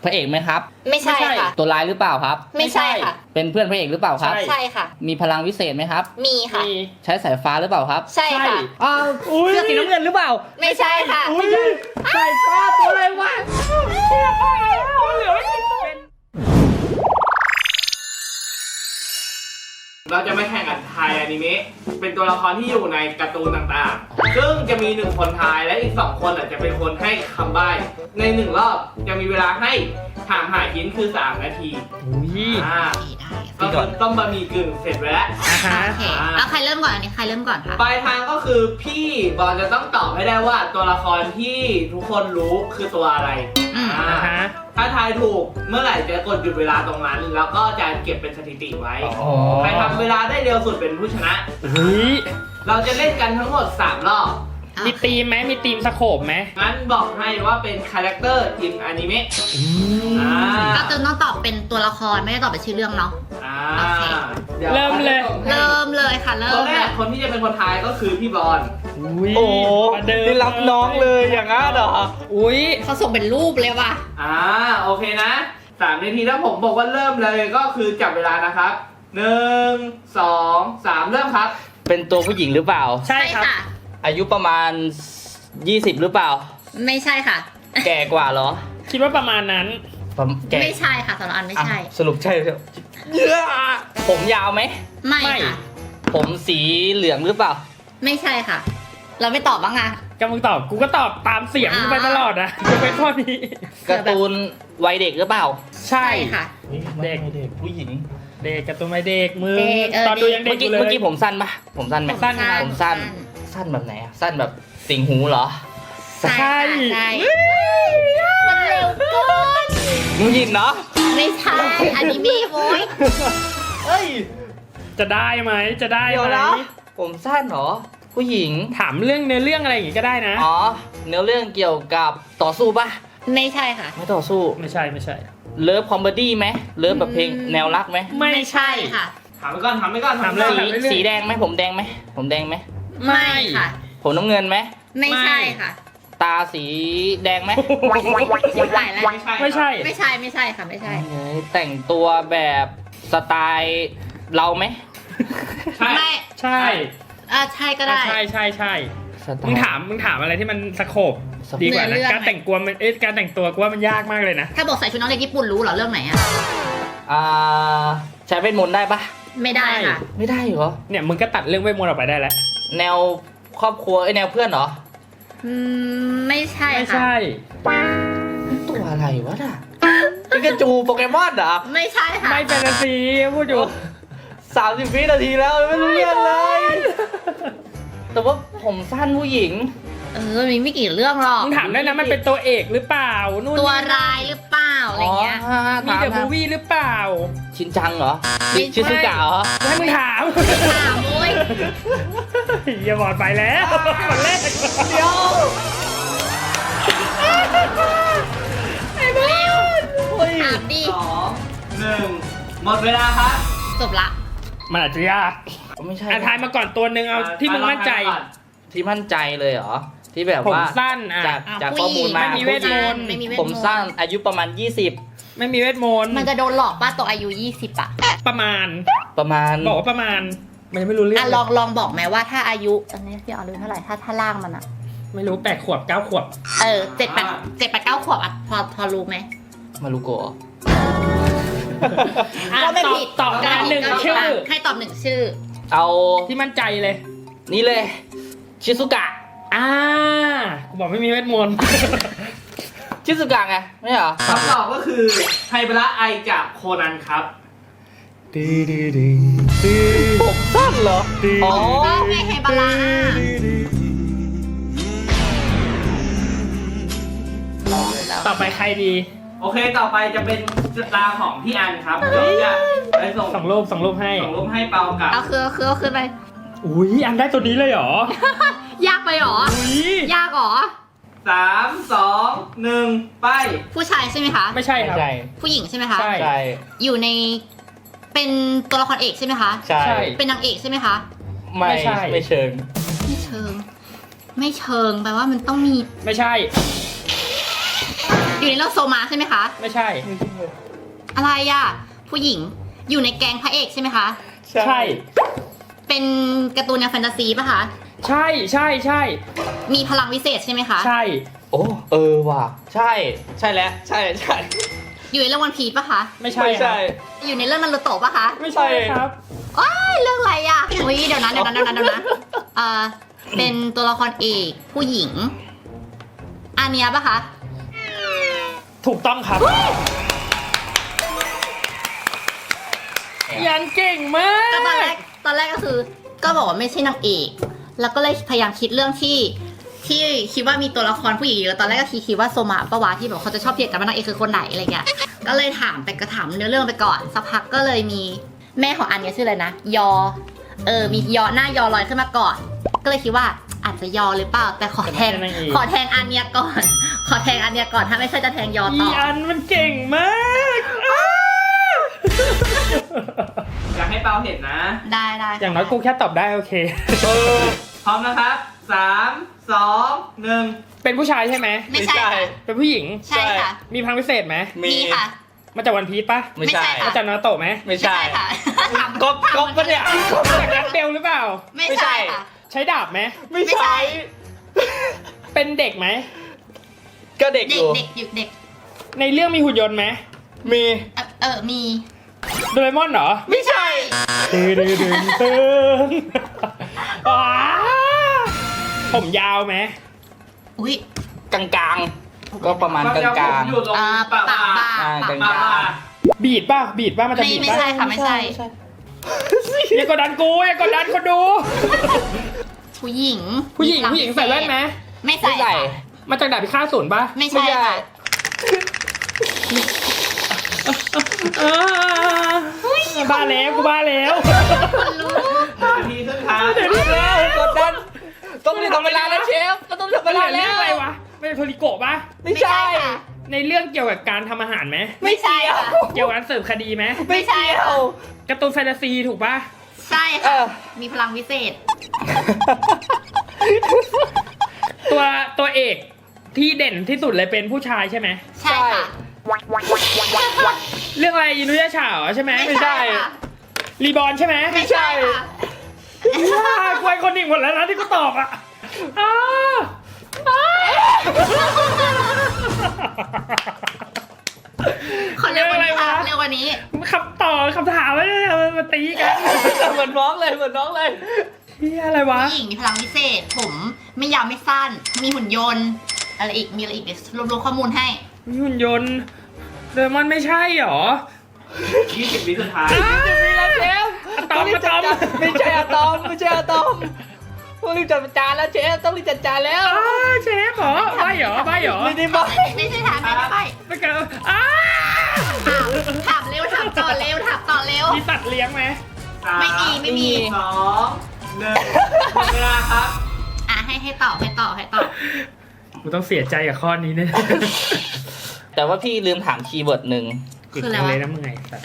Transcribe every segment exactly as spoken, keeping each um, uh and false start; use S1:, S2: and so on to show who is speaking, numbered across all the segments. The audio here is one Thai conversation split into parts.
S1: พระเอกไหมครับ
S2: ไม่ใช่ค่ะ
S1: ตัวร้ายหรือเปล่าครับ
S2: ไม่ใช่ค่ะ
S1: เป็นเพื่อนพระเอกหรือเปล่าครับ
S2: ใช่ค่ะ
S1: มีพลังวิเศษไหมครับ
S2: มีค่ะ
S1: ใช้สายฟ้าหรือเปล่าครับ
S2: ใช่ค่ะ
S1: อ้าวเสื้อสีน้ำเงินหรือเปล่า
S2: ไม่ใช่ค่ะ
S1: ไม่ใช่สายฟ้าตัวอะไรวะเชื่อไปแล้วเหลือไม่เป็น
S3: เราจะไม่แข่งกันทายอนิเมะเป็นตัวละครที่อยู่ในการ์ตูนต่างๆซึ่งจะมีหนึ่งคนทายและอีกสองคนจะเป็นคนให้คำใบ้ในหนึ่งรอบจะมีเวลาให้ถามหาหินคือสามนาทีอ่าก็คือต้มบะหมี่กึ่งเสร็จไปแล้ว
S2: โอเคเอาใครเริ่มก่อนอันนี้ใครเริ่มก่อนคะ
S3: ปลายทางก็คือพี่บอลจะต้องตอบให้ได้ว่าตัวละครที่ทุกคนรู้คือตัวอะไรถ้าทายถูกเมื่อไหร่จะกดหยุดเวลาตรงนั้นแล้วก็จะเก็บเป็นสถิติไว้ใครทำเวลาได้เร็วสุดเป็นผู้ชนะเราจะเล่นกันทั้งหมดสามรอบ
S4: มีธีมไหมมีธีมสโคปไหม
S3: งั้นบอกให้ว่าเป็นคาแรคเตอร์อินอนิเมะ
S2: ก็จะต้องตอบเป็นตัวละครไม่ได้ตอบเป็นชื่อเรื่องเนาะโอเค
S4: เริ่มเลย
S2: เริ่มเลยค่ะเริ่ม
S3: คนแรกคนที่จะเป็นคนทายก็คือพี่บอล
S1: โอ้ได้รับน้องเลยอย่างนั้นเหรอ
S2: อุ้ยเขาส่งเป็นรูปเลยว่ะ
S3: อ่าโอเคนะสามนาทีถ้าผมบอกว่าเริ่มเลยก็คือจับเวลานะครับหนึ่งสองสามเริ่มครับ
S1: เป็นตัวผู้หญิงหรือเปล่า
S4: ใช่ค่ะ
S1: อายุประมาณยี่สิบหรือเปล่า
S2: ไม่ใช่ค่ะ
S1: แก่กว่าเหรอ
S4: คิดว่าประมาณนั้น
S2: ไม่ใช่ค่ะสำหรับอันไม่ใช่
S1: สรุปใช่เยอะผมยาวไหม
S2: ไม่ค่ะ
S1: ผมสีเหลืองหรือเปล่า
S2: ไม่ใช่ค่ะเราไม่ตอบบ้างอะ
S4: กำลังตอบกูก็ตอบตามเสียงไปตลอดนะจะเป็นข้อนี้
S1: การ์ตูนวัยเด็กหรือเปล่า
S4: ใช่
S2: ค่ะ
S4: เด็ก
S1: เด็กผู้หญิง
S4: เด็กการ์ตูนวัยเด็กมือตอนดูยังเด็กอยู่เลย
S1: เมื่อกี้ผมสั้นปะผมสั้นไหม
S4: สั้น
S1: ผมสั้นสั้นแบบไหนอะสั้นแบบติ่งหูเหรอ
S4: ใช่
S2: มันเร็วเกิน
S1: ผู้หญิงเนาะ
S2: ไม่ใช่อนิเมะโว้ย
S1: เอ้ย
S4: จะได้ไหมจะได้ไหม
S1: ผมสั้นเหรอผู้หญิง
S4: ถามเรื่องเนื้อเรื่องอะไรอย่างงี้ก็ได้นะ
S1: อ๋อเนื้อเรื่องเกี่ยวกับต่อสู้ปะ
S2: ไม่ใช่ค่ะ
S1: ไม่ต่อสู้
S4: ไม่ใช่ไม่ใช่
S1: เลิฟคอมเมดี้ไหมเลิฟแบบเพลงแนวรักไหม
S4: ไม่ใช่
S2: ค่ะ
S3: ถามไปก่อนถามไปก่อน
S4: ถามเลย
S1: สีแดงไหมผมแดงไหมผมแดงไหม
S2: ไม่ค่ะ
S1: ผมน้ำเงินไหม
S2: ไม่ใช่ค่ะ
S1: ตาสีแดงไหม
S2: ไม่ใช่แล้ว
S4: ไม่ใช่
S2: ไม่ใช่ไม่ใช่ค่ะไม่ใช่
S1: แต่งตัวแบบสไตล์เราไหม
S2: ไม่
S4: ใช่
S2: อ่าใช่ก็ได้
S4: ใช่ใช่ใช่มึงถามมึงถามอะไรที่มันสโคปดีกว่านะการแต่งตัวมันเอ๊ะการแต่งตัวกูว่ามันยากมากเลยนะ
S2: ถ้าบอกใส่ชุดน้องเด็กญี่ปุ่นรู้เหรอเรื่องไหนอ่ะ
S1: อ่าใช้เวทมนต์ได้ปะ
S2: ไม่ได้ค่ะ
S1: ไม่ได้เหรอ
S4: เนี่ยมึงก็ตัดเรื่องเวทมนต์ออกไปได้แล้ว
S1: แนวครอบครัวไอแนวเพื่อนเหรอ
S2: อืมไม่ใช่ค่ะ
S4: ไม่ใช่
S1: ตัวอะไรวะน่ะปิกาจูโปเกมอนเหรอ
S2: ไม่ใช่ค่ะ
S4: ไม่แฟนตาซีพูดอยู่
S1: สามสิบวินาทีแล้วไม่รู้เรื่องเลยแต่ว่าผมสั้นผู้หญิง
S2: เออมีไม่กี่เรื่องหรอก
S4: มึงถามได้นะมันเป็นตัวเอกหรือเปล่านู่น
S2: ตัวร้ายหรือเปล่าอะไรเงี้ย
S4: มีเดอะมูฟวี่หรือเปล่า
S1: ชินจังเหรอชิซุกะเหรอ
S4: ให้มึงถาม
S2: ถามมุ้ย
S4: อย่าบอดไปแล้วคนแรก
S1: เดี๋ยว
S2: ไอ้บ้าถามดิ
S3: สองหนึ่งหมดเวลาครับ
S2: จบละ
S4: มันอาจจะยาก
S1: ไม่ใช่
S4: ทายมาก่อนตัวหนึ่งเอาที่มึงมั่นใจ
S1: ที่มั่นใจเลยเหรอที่แบบว่า
S4: ผมสั้น
S1: จากจากข้อมูลมา
S4: ไม่มีเวทมนต์
S1: ผมสั้นอายุประมาณยี่สิบ
S4: ไม่มีเวทมนต์
S2: มันจะโดนหลอกป่ะตัวอายุยี่สิบอ่ะ
S4: ประมาณ
S1: ประมาณ
S4: บอกว่าประมาณมันไม่รู้เรื่อง
S2: อ่ะลองลองบอกไหมว่าถ้าอายุตอนนี้พี่ออรู้เท่าไหร่ถ้าถ้าล่างมันอ่ะ
S4: ไม่รู้แปดขวบเก้าขวบ
S2: เออเจ็ดแปดเจ็ดแปดเก้าขวบอ่ะพอพอรู้ไหม
S1: มารุโกะ
S2: ก็ไม่ผิด
S4: ตอบได้หนึ่งชื่อ
S2: ให้ตอบหนึ่งชื่อ
S1: เอา
S4: ที่มั่นใจเลย
S1: นี่เลยชิซุกะ
S4: อ่ากูบอกไม่มีเวทมนต์
S1: ชิซุกะไงไม่เหรอ
S3: คำตอบก็คือไฮบะระไอจากโคนันครับ
S1: ดีดีดีดีผมสั้นเหรอ
S2: อ๋อไงไฮบะระ
S4: ต่อไปใครดี
S3: โอเคต่อไปจะเป็นตาของพี่อันครับเดี๋ยวจะไปส่ง
S4: ส่งรูปส่งรูปให้
S3: ส่งรูปให้เปากับ
S2: เอาคือคือเอาคือไป
S4: อุ้ยอันได้ตัวนี้เลยเหร
S2: อยากไปหรอยากหรอ
S3: สามสองหนึ่งไป
S2: ผู้ชายใช่ไหมคะ
S4: ไม่ใช่ครับ
S2: ผู้หญิงใช่ไหมคะ
S1: ใช่
S2: อยู่ในเป็นตัวละครเอกใช่ไหมคะ
S1: ใช่
S2: เป็นนางเอกใช่ไหมคะ
S1: ไม่ใช่ไม่เชิง
S2: ไม่เชิงไม่เชิงแปลว่ามันต้องมี
S4: ไม่ใช่
S2: ดอยู่ในเรื่องโซมาใช่ไหมคะ
S4: ไม่ใช่
S2: อะไรอ่ะ ผู้หญิงอยู่ในแก๊งพระเอกใช่ไหมคะ
S4: ใช่
S2: เป็นการ์ตูนแนวแฟนตาซีป่ะคะ
S4: ใช่ใช่ใช่
S2: มีพลังวิเศษใช่ไหมคะ
S4: ใช่
S1: โอ้เออว่ะใช่ใช่แล้วใช่ใช่
S2: อยู่ในเรื่องวันพีชป่ะคะ
S4: ไม่ใช่
S1: ไม่
S4: ครั
S1: ใช่
S4: บ
S2: อยู่ในเรื่องนารูโตะป่ะคะ
S4: ไม่ใช่ครับ
S2: ว้ายเรื่องอะไรอ่ะอุ้ยเดี๋ยวนะเดี๋ยวนะเดี๋ยวนะเดี๋ยวนะเอ่อเป็นตัวละครเอกผู้หญิงอาเนียป่ะคะ
S4: ถูกต้องครับยันเก่งมา
S2: ก็ตอนแร
S4: ก
S2: กตอนแรกก็คือ ก็บอกว่าไม่ใช่นางเอก แล้วก็เลยพยายามคิดเรื่องที่ที่คิดว่ามีตัวละครผู้หญิงเยอะตอนแรกก็คิดว่าโซมาปะวะที่แบบเขาจะชอบเถียงกันว่านางเอกคือคนไหนอะไรเงี้ยก็เลยถามไปก็ถามเนื้อเรื่องไปก่อนสักพักก็เลยมีแม่ของอันเนี้ยชื่ออะไรนะยอเออมียอหน้ายอลอยขึ้นมาก่อน ก็เลยคิดว่าอาจจะยอหรือเปล่าแต่ขอแทงขอแทงอันเนี้ยก่อน ขอแทงอันเนี้ยก่อนถ้าไม่ใช่จะแทงยอ
S4: อี
S2: ต่อ
S4: อันมันเก่งมากอ้า
S3: อยากให้เปาเห็นนะ
S2: ได้ได้
S4: อย่างน้อยกูแค่ตอบได้โอเค
S3: พร้อมนะครับสามสองหนึ่ง
S4: เป็นผู้ชายใช่ไหม
S2: ไม่ใช่ค่ะ
S4: เป็นผู้หญิง
S2: ใช่ค่ะ
S4: มีพลังพิเศษไหม
S2: มีค่ะ
S4: มาจากวันพีชปะ
S1: ไม่ใช่
S2: ไม่ใช่ค่ะ
S4: มาจากนารูโตะไหม
S1: ไม่ใช่
S2: ค่ะถาม
S1: ก๊อปก๊อปปะเนี่ย
S4: มาจากนักเบลหรือเปล่า
S2: ไม่ใช่ค่ะ
S4: ใช้ดาบไหม
S1: ไม่ใช่
S4: เป็นเด็กไหม
S1: ก็เด็กอ
S2: เด็ก
S1: ยู่
S2: เด็กอยู่เด็ก
S4: ในเรื่องมีหุ่นยนต์ไหม
S1: มี
S2: เออเออมี
S4: โดเรมอนเหรอ
S1: ไม่ใช่
S4: ตึงตึงตึงตึงว้าผมยาวไหม
S2: อุ้ย
S1: กลางๆก็ประมาณกลาง
S3: อยู่ตรง
S2: อ่า
S3: ปา
S2: ปาก
S3: ก
S2: บา
S1: อ่า
S2: ปาก
S1: กลาง
S2: บา
S4: บีดป่ะบีดป่ะมันจะ
S2: ไม่
S4: บีด
S2: ไม่
S4: ป่ะ
S2: ใช่ค่ะไม่ใช่
S4: อย่ากดดันกูอย่ากดดันคนดู
S2: ผู้หญิง
S4: ผู้หญิง
S2: มีพลั
S4: ผู้หญิงใส่แว่นไหม
S2: ไม่
S1: ๆ
S2: ใส่
S1: ไม่ใส่
S2: ค่ะ
S4: มาจากดาบพิฆาตศูนย์ป่ะ
S2: ไม่ใช่ค่ะ
S4: อ่าบ้าแล้วกูบ้าแล้ว
S2: คนรู้
S3: นาทีสุดท้าย
S4: เดี๋ยวนี้แล้ว
S1: กดดันต้องรีบทำเวลาแล้วเชฟก็ต้องรีบทำเว
S4: มันเห
S1: ลา
S4: ลือ
S1: แล้
S4: เรื่อง
S1: ว
S4: อะไรวะเป็นโทริโกะป่ะ
S1: ไม่ใช่
S2: ค่ะ
S4: ในเรื่องเกี่ยวกับการทำอาหารไหม
S2: ไม่ใช่ค่ะ
S4: เกี่ยวกับการสืบคดีไหม
S2: ไม่ใช่ค่ะ
S4: การ์ตูนแฟนตาซีถูกป่ะ
S2: ใช่
S1: เอ
S2: ค่ะ
S1: อ
S2: มีพลังวิเศษ
S4: ตัวตัวเอกที่เด่นที่สุดเลยเป็นผู้ชายใช่ไหม
S2: ใช่ค่ะ
S4: เรื่องอะไรอินุยะฉาเหรอใช่ไหม
S2: ไม่ใช่ค่ะ
S4: รีบอร์นใช่ไหม
S2: ไม่ใช่ค่ะ
S4: ว้าควายคนหนึ่งหมดแล้วนะที่กูตอบอ่ะอ้าอ้า
S2: ขอเร็วกว่านี้ค่ะเร็วกว่านี้
S4: คำต่อคำถามไม่ได้มาตีกัน
S1: เหมือนน้องเลยเหมือนน้องเลย
S4: เฮียอะไรวะ
S2: ผู้หญิงมีพลังวิเศษ ผมไม่ยาวไม่สั้น มีหุ่นยนต์ อะไรอีก มีอะไรอีกเดี๋ยวรวบๆข้อมูลให้
S4: มีหุ่นยนต์เดมอนไม่ใช่หรอ
S3: ยี่สิบวิสุดท้าย
S1: จะมีแล้วเชฟ
S4: อะตอมอะตอม
S1: ไม่ใช่อะตอมไม่ใช่อะตอมต้องรีบจัดจานแล้วเชฟต้องรีบจัดจานแล้ว
S4: อ้าเชฟเหรอใบเหรอใบเหรอ
S1: ไม่ได้บ
S2: ไม่ไม่ใช่ถามไม่ได้ไป
S4: ไม่เกิดอ้า
S2: ถามถามเร็วถามต่อเร็วถามต่อเร็ว
S4: มีสัตว์เลี้ยงไหม
S2: ไม่มีไม่มี
S3: สองหนึ่งหมดเวลาครับ
S2: อ่ะให้ให้ตอบให้ตอบให้ตอบ
S4: กูต้องเสียใจกับข้อนี้เนี่ย
S1: แต่ว่าพี่ลืมถามคีย์เวิร์ดหนึ่ง
S2: คืออะไร
S4: เล
S2: วะ
S4: ยนะมึงไงสัตว์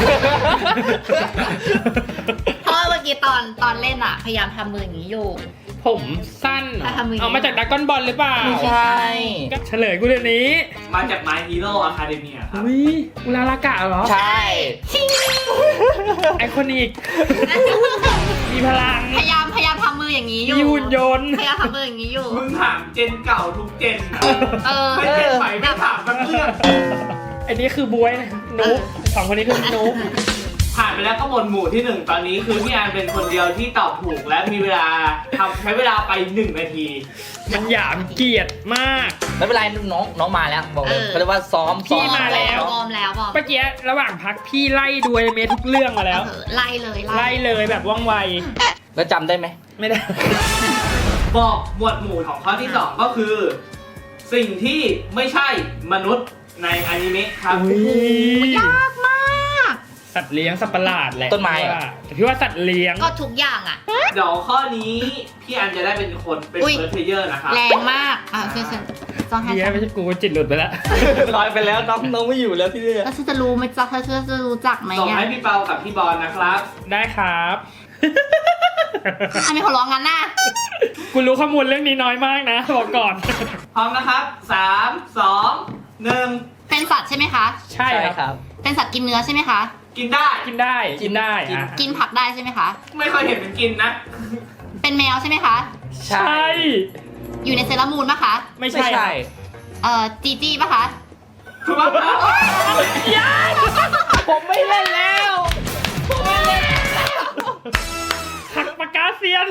S2: เพราะว่าเมื่อกี้ตอนตอนเล่นอะพยายามทำมืออย่างนี้อยู่
S4: ผมสั้นเหรอ
S2: ถ้าทำมืออย่างนี้
S4: เอามาจากดักกอนบอลหรือเปล่า
S1: ไม่ใช่
S4: เฉลยกูเดี๋ยวนี้
S3: มาจาก My Hero Academia ครับ
S4: อุ้ยอุลาลากะเหรอ
S1: ใช่
S2: ชิง
S4: ไอคอนิก มีพลัง
S2: พยายามพยายามทำมืออย่างนี้อยู่
S4: มีหุ่นยนต์
S2: พยายามทำมืออย่างนี้อยู่
S3: มึงถามเจนเก่าทุกเจนนะ
S2: เออ
S3: ไม่เจนใหม่ไม่ถามสักเรื่อง
S4: ไอันนี้คือบวยนะนุ๊กสองคนนี้คือนุ๊ก
S3: ผ่านไปแล้วก็หมวดหมู่ที่หนึ่งตอนนี้คือพี่อันเป็นคนเดียวที่ตอบถูกและมีเวลาทำใช้เวลาไปหนึ่งนาที
S4: มันหยามเกียรติมาก
S1: ไม่เป็นไรน้องน้องมาแล้วบอกเลย
S2: เออ
S1: เขาเรียกว่าซ้อม
S4: พี่
S1: ซ้อ
S4: มาแล้ว
S2: วอร์มแล้ววอร์ม
S4: เมื่อกี้ระหว่างพักพี่ไล่ดูอนิเมะทุกเรื่องมาแล้ว
S2: เออไล่เลย
S4: ไล่เลยแบบว่องไว
S1: แล้วจำได้ไหม
S4: ไม่ได้
S3: บอกหมวดหมู่ของข้อที่สองก็คือ สิ่งที่ไม่ใช่มนุษย์ในอนิเมะครับ
S4: อุ๊ย
S2: ยากมาก
S4: สัตว์เลี้ยงสัตว์ประหลาดแหละ
S1: ต้นไม้เหรอ
S4: แต่พี่ว่าสัตว์เลี้ยง
S2: ก็ทุกอย่างอะ
S3: เดี๋ยวข้อนี้พี่อันจะได้เป็นคนเป็น
S2: อุ๊ย
S3: เฟิร์สเพลเยอร์นะครับ
S2: แรงมากอ่ะเชิญเชิญจองให้
S4: เฮียไม่ใช่กูจิตหลุดไปแล้ว
S1: ลอยไปแล้วน้องน้องไม่อยู่แล้วที่นี่
S2: แล้วฉันจะรู้ไหมจ๊ะเธอจะรู้จักไหม
S3: ส่ง
S2: อ่ะ
S3: ให้พี่เปากับพี่บอลนะครับ
S4: ได้ครับ
S2: ทำไมเขาร้องงั้นน่ะ
S4: กูรู้ข้อมูลเรื่องนี้น้อยมากนะบอกก่อน
S3: พร้อมนะครับสามสองหนึ่ง
S2: เป็นสัตว์ใช่ไหมคะ
S4: ใช่ครับ
S2: เป็นสัตว์กินเนื้อใช่ไหมคะ
S3: กินได้
S4: กินได้กินได้อ่ะ
S2: กินผักได้ใช่ไหมคะ
S3: ไม่เคยเห็นมันกินนะ
S2: เป็นแมวใช่ไหมคะ
S4: ใช่
S2: อยู่ในเซรามูนปะคะ
S4: ไม่ใช่ครับ
S2: เอ่อจีจี้ปะคะ
S3: ถูกต้องครับ
S1: ผมไม่เล่นแล้วผมไม่เล่น
S4: หักปากกาเซียน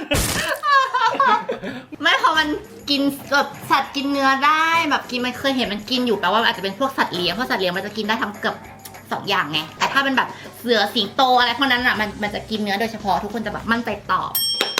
S2: ไม่พอมันกินแบบสัตว์กินเนื้อได้แบบกินมันเคยเห็นมันกินอยู่แปลว่ามันอาจจะเป็นพวกสัตว์เลี้ยงเพราะสัตว์เลี้ยงมันจะกินได้ทั้งเกือบสองอย่างไงแต่ถ้าเป็นแบบเสือสิงโตอะไรพวกนั้นอ่ะมันมันจะกินเนื้อโดยเฉพาะทุกคนจะแบบมั่นใจตอบ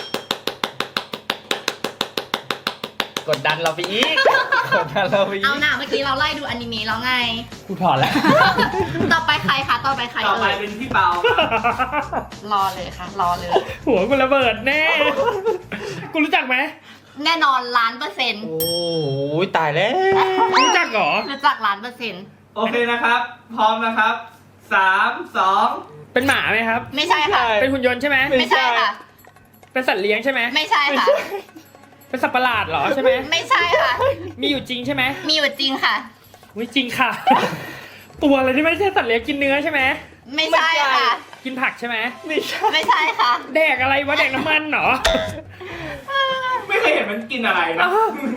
S1: กดดันเราไปอีกกดดันเราไปอี
S2: เอา
S1: ก
S2: หน่าเมื่อกี้เราไล่ดูอนิเมะแล้วไง
S4: กูถอนแล้ว
S2: ต่อไปใครคะต่อไปใคร
S3: ต่อไป
S2: เอ่ย
S3: เป็นพี่เปาร
S2: อเลยค่ะรอเลย
S4: หัวกูระเบิดแน่ กูรู้จักไหม
S2: แน่นอนล้านเปอร์เซ็นต์
S1: โอ้ยตายแล้ว
S4: รู้จักเหรอ
S2: รู้จักล้านเปอร์เซ็นต์
S3: โอเคนะครับ พร้อมนะครับสามสอง
S4: เป็นหมาไหมครับ
S2: ไม่ใช่ค่ะ
S4: เป็นหุ่นยนต์ใช่ไหม
S2: ไม่ใช่ค่ะ
S4: เป็นสัตว์เลี้ยงใช่ไหม
S2: ไม่ใช่ค่ะ
S4: เป็นสัตว์ประหลาดเหรอใช่ไหม
S2: ไม่ใช่ค่ะ
S4: มีอยู่จริงใช่ไหม
S2: มีอยู่จริงค่ะ
S4: วิจริงค่ะ ตัวอะไรที่ไม่ใช่สัตว์เลี้ยงกินเนื้อใช่ไหม
S2: ไม่ใช่ค่ะ
S4: กินผักใช่ไหม
S1: ไม่ใช่
S2: ไม่ใช่ค่ะ
S4: แดกอะไรวะแดกน้ำมันเหรอ
S3: ไม่เคยเห็นมันกินอะไรนะ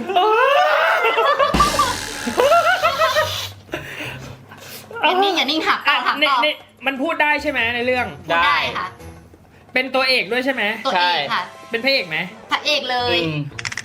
S2: อย่านิ่งอย่านิ่งหักต่อหัก
S4: ใน
S2: ต่อ
S4: ในมันพูดได้ใช่ไหมในเรื่อง
S2: พูดได้ค่ะ
S4: เป็นตัวเอกด้วยใช่ไหม
S2: ตัวเอกค่ะ
S4: เป็นพระเอกไหม
S2: พระเอกเลย
S1: อืม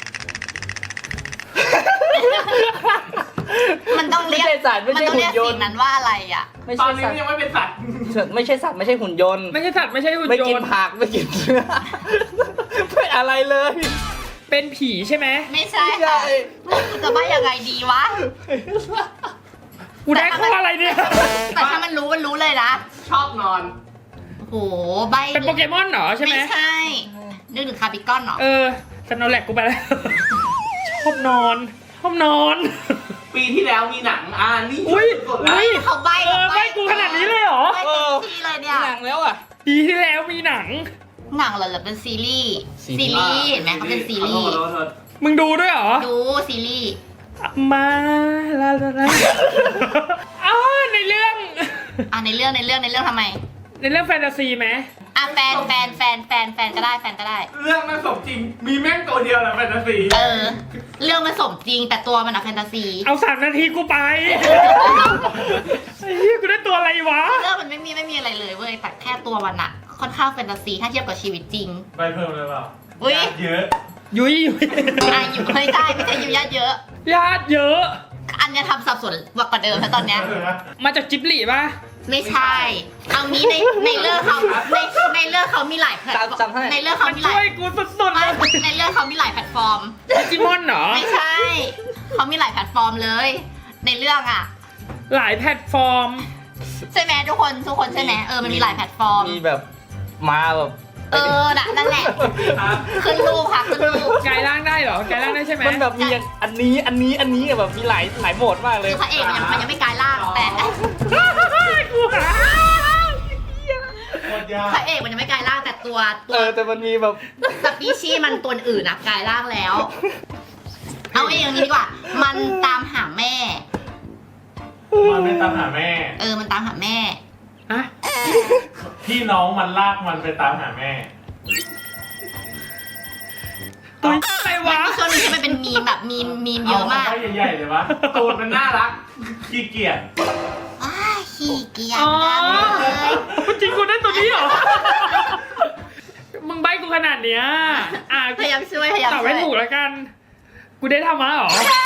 S2: มันต้องเรียก
S1: ไม่ใช่สัตว์ไม่
S2: มัน
S1: ใช่
S2: ต้อง
S1: หุ่
S2: เรีย
S1: น
S2: ก
S1: ย
S2: สิ่
S1: น
S2: ง
S1: ต์
S2: นั้นว่าอะไรอ่ะ
S1: ไม่
S3: ตอ
S1: ใช่
S3: นนี้
S1: สัต
S3: มัน
S1: ว์
S3: ยังไม่เป็นสัตว์
S1: ไม่ใช่สัตว์ไม่ใช่หุ่นยนต์
S4: ไม่ใช่สัตว์ไม่ใช่หุ่น
S1: ไม่
S4: ย
S1: กิน
S4: นต์
S1: ผักไม่กินเนื้อไม่อะไรเลย
S4: เป็นผีใช่ไหม
S2: ไม่ใช่ค่ะจะว่ายังไงดีวะ
S4: กูได้ข้ออะไรเนี่ย
S2: แต่ถ้ามันรู้มันรู้เลยนะ
S3: ชอบนอน
S2: โหใบ
S4: เป็นโปเกมอนเหรอใช่ไหม
S2: ไม่ใช่ นึกถึงคาร์บิคอนเหรอ
S4: เออสโนว์แลกกูไปแล้ว ชอบนอนชอบนอน
S3: ปีที่แล้วมีหนังอ่านี่
S4: อุ้ย
S3: สุดๆแล้ว
S4: อุ้ย
S2: เขาใบ
S4: เออไม่กูขนาดนี้เลยเหรอ
S2: ใบเต็มที่เลยเนี่ย
S1: หนังแล้วอ่ะ
S4: ปีที่แล้วมีหนัง
S2: หนังเหรอหรือเป็นซีรีส์
S1: ซี
S2: ซี
S1: รีส์
S2: รีส์เห็นไหมเขาเป็นซีรีส์
S3: ขอโทษขอโทษ
S4: มึงดูด้วยเหรอ
S2: ดูซีรีส์
S4: มาลาลาลาอ๋อในเรื่อง
S2: อ่ะในเรื่องในเรื่องในเรื่องทำไม
S4: ในเรื่องแฟนตาซีไหม
S2: อ่ะแฟนแฟนแฟนแฟนแฟนก็ได้แฟนก็ได้
S3: เรื่องมันสมจริง มีแม่งตัวเดียวแหละแฟนตาซี
S2: เออ เรื่องมันสมจริงแต่ตัวมันอะแฟนตาซี
S4: เอาสามนาทีกูไป ไอ้เหี้ยกูได้ตัวอะไรวะ
S2: เรื่องมันไม่มีไม่มีอะไรเลยเว้ยแต่แค่ตัวมันอะค่อนข้างแฟนตาซีถ้าเทียบกับชีวิตจริง
S3: ไปเพิ่มเลยเปล่า
S2: อุ้ย
S3: เยอะ
S4: ยุยยุย
S2: อ่ะอยู่ไม่ใช่ไม่ใช่อยู่ญาติเยอะ
S4: ญาติเยอะ
S2: อันเนี้ยทำสับสนกว่าเดิมแล้วตอนเนี้ย
S4: มาจากจิบลิป่ะ
S2: ไม่ใช่ เอางี้ในในเรื่องเขาในในเรื่องเขามีหลายแพลตฟอร์มในเรื่องเขา
S4: มัน
S2: มีหลา
S4: ช่วย ยกูสุดๆเล
S2: ไม่
S4: ย
S2: ในเรื่องเขามีหลายแพลตฟอร์ม
S4: ดิจิมอนเหรอ
S2: ไม่ใช่ เขามีหลายแพลตฟอร์มเลย ในเรื่องอ่ะ
S4: หลายแพลตฟอร์ม
S2: ใช่ไหมทุกคนทุกคนใช่ไหมเออมันมีหลายแพลตฟอร์ม
S1: มีแบบมาแบบ
S2: เออน่ะนั่นแหละ
S3: ครับ
S2: ขึ้นรูปค่ะขึ้นรูป
S4: กลายร่างได้เหรอกลายร่างได้ใช่ไหม
S1: มันแบบมีอย่างอันนี้อันนี้อันนี้แบบมีหลายหลายโหมดมากเลย
S2: คือพระเอกมันยังมันยังไม่กลายร่างแต่
S4: กูหา
S3: หมดยา
S2: พระเอกมันยังไม่กลายร่างแต่ตัวตั
S1: เอ
S2: ว
S1: อแต่มันมีแบบ
S2: สปีชีส์มันตัวอื่นนะกลายร่างแล้ว เอาเองอย่างนี้ดีกว่า มันตามหาแม่
S5: มันไม่ตามหาแม่
S2: เออมันตามหาแม่
S4: อะ
S5: พี่น้องมันลากมันไปตามหาแม่
S4: ตัวอะไร
S2: มัน
S4: วะ
S2: มีช่วงหนึงที่มันเป็นมีมแบบมีมมีมเยอะมาก
S5: เาใหญ่ๆเลยวะ
S3: ตูดมันน่ารัก
S5: ขี้เกียจ
S2: อ้าขี้เกียจ
S4: อ๋อ
S2: จังเลย
S4: จริงกูได้ตัวนี้เหรอ มึงใบกูขนาดเนี้ยอ่ะ
S2: พยายามช่วยพยายาม
S4: ตอบ
S2: ช่ว
S4: ให้
S2: ย
S4: ถูกแล้วกัน กูได้ทำมาเหรอ
S2: ใช่